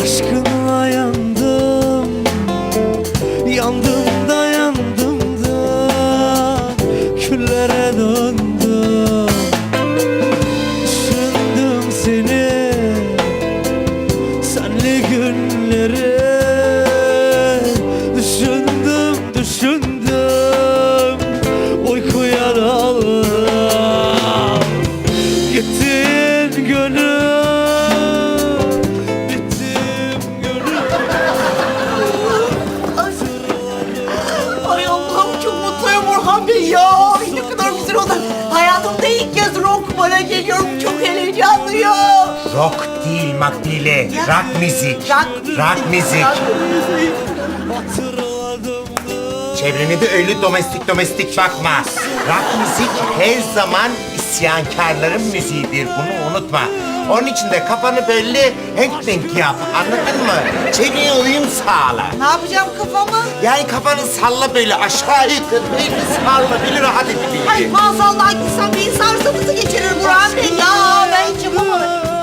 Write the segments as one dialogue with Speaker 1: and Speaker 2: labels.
Speaker 1: Aşkına yandım, yandım da yandım da küllere döndüm. Düşündüm seni, senli günleri. Düşündüm, düşündüm, uykuya daldım. Gittin gönül,
Speaker 2: Ay Allah'ım çok mutluyum Burhan Bey ya. Ay ne kadar güzel oldu. Hayatımda ilk kez rock bara geliyorum. Çok heyecanlıyım.
Speaker 3: Rock değil Makbule, rock müzik. Rock müzik. Çevrene de öyle domestik bakma. Rock müzik her zaman isyankarların müziğidir. Bunu unutma. Onun için de kafanı böyle henk yap. Anladın mı? Çevreye uyum sağla.
Speaker 2: Ne yapacağım kafamı?
Speaker 3: Yani kafanı salla böyle aşağı yukarı böyle salla. Böyle rahat edebildiğin.
Speaker 2: Ay maazallah gitsem beyin sarsıntısı geçirir Burhan Bey ya. Ben hiç yapamam.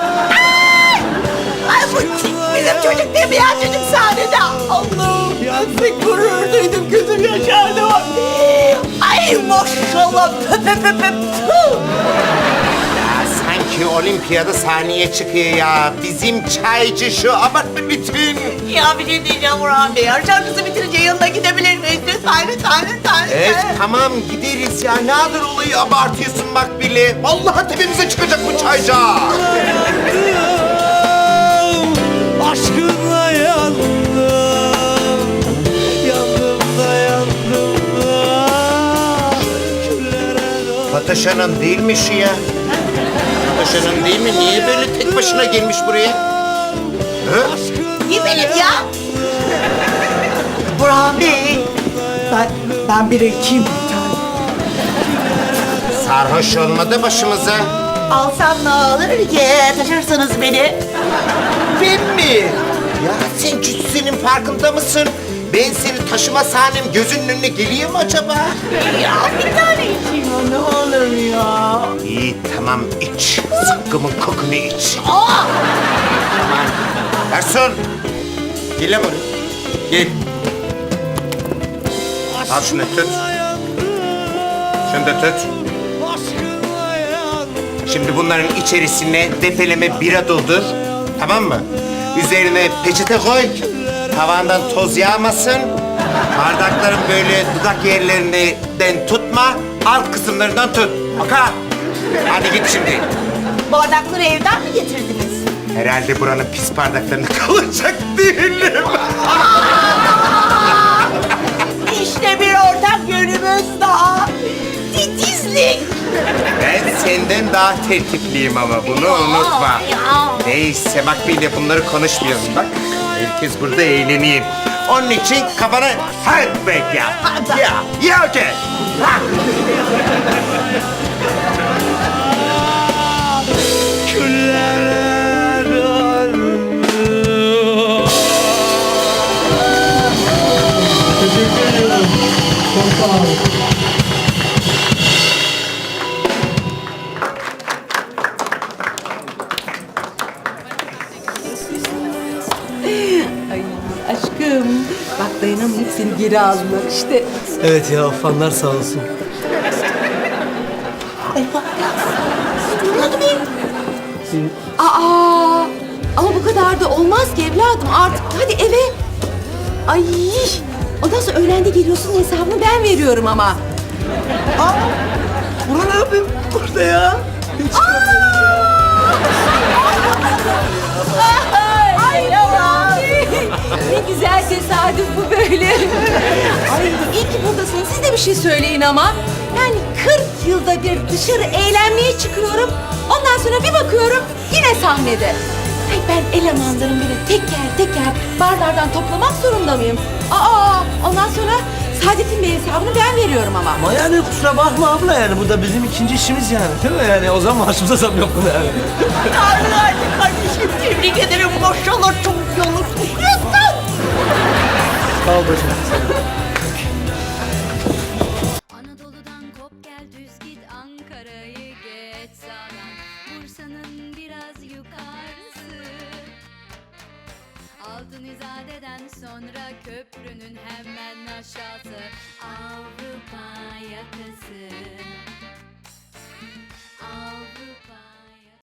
Speaker 2: Ay bu bizim çocuk değil mi ya? Çocuk sahnede. Allah'ım ben pek gurur duydum. Gözüm yaşardı. Ay maşallah. Tüh.
Speaker 3: Sanki olimpiyada sahneye çıkıyor ya. Bizim çaycı şu abartma bütün.
Speaker 2: Ya bir şey diyeceğim Burhan Bey. Şarkısı bitirince yanına gidebilir miyiz? Lütfen.
Speaker 3: Evet tamam gideriz ya. Ne kadar olayı abartıyorsun bak bile. Vallahi tepemize çıkacak bu çaycı.
Speaker 1: Aşkına yandım, yandım da yandım da küllere döndüm.
Speaker 3: Fatoş Hanım değil mi şu ya? Fatoş Hanım değil mi? Niye böyle tek başına gelmiş buraya? Hı?
Speaker 2: Kim benim ya? Burhan Bey. Ben bir ekeyim.
Speaker 3: Sarhoş olmadı başımıza.
Speaker 2: Alsam ne olur ki? Taşırsınız beni.
Speaker 3: Ben mi? Ya sen cüssinin farkında mısın? Ben seni taşıma sahnem gözünün önüne geliyor mu acaba?
Speaker 2: Ya bir tane içeyim ne olur ya.
Speaker 3: İyi tamam iç. Zıkkımın kokunu iç.
Speaker 2: Aa!
Speaker 3: Aman. Garson. Gel lan buraya. Gel. Al şunu tut. Şunu da tut. Şimdi bunların içerisine depeleme bira doldur. Tamam mı? Üzerine peçete koy. Tavandan toz yağmasın. Bardakların böyle dudak yerlerinden tutma. Alt kısımlarından tut. Oka. Hadi git şimdi.
Speaker 2: Bardakları evden mi getirdiniz?
Speaker 3: Herhalde buranın pis bardaklarını kalacak değilim.
Speaker 2: İşte bir ortak yönümüz daha. Titizlik.
Speaker 3: Ben senden daha tertipliyim ama bunu unutma.
Speaker 2: Ya.
Speaker 3: Neyse bak bir de bunları konuşmayalım bak. Herkes burada eğleneyim. Onun için kafanı hardback yap. Ya okey.
Speaker 1: Küllere döndüm.
Speaker 4: Teşekkür ediyorum. Çok sağ olun.
Speaker 5: Ay aşkım. Bak dayanamayıp seni geri aldılar işte.
Speaker 1: Evet ya fanlar sağ olsun.
Speaker 5: Aa, ama bu kadar da olmaz ki evladım. Artık hadi eve. Ay. Ondan sonra öğlende geliyorsun hesabını ben veriyorum ama.
Speaker 1: Burhan ne yapayım burada ya?
Speaker 5: Ay ne güzel tesadüf bu böyle. Ay iyi ki buradasınız. Siz de bir şey söyleyin ama. Yani 40 yılda bir dışarı eğlenmeye çıkıyorum. Ondan sonra bir bakıyorum yine sahnede. Ay ben elemanlarım bile teker barlardan toplamak zorunda mıyım? Ondan sonra Saadettin Bey hesabını ben veriyorum ama.
Speaker 1: Ama yani kusura bakma abla yani bu da bizim ikinci işimiz yani değil mi yani o zaman maaşımıza zam yok mu yani?
Speaker 2: Tanrı kardeşim tebrik ederim. Maşallah çok yolu tutuyorsun.
Speaker 1: Sağ ol bacım.
Speaker 6: Anadolu'dan kop gel düz git Ankara'yı geç sağdan Bursa'nın biraz yukarısı Altın İzade'den sonra köprünün hemen aşağısı Avrupa yakası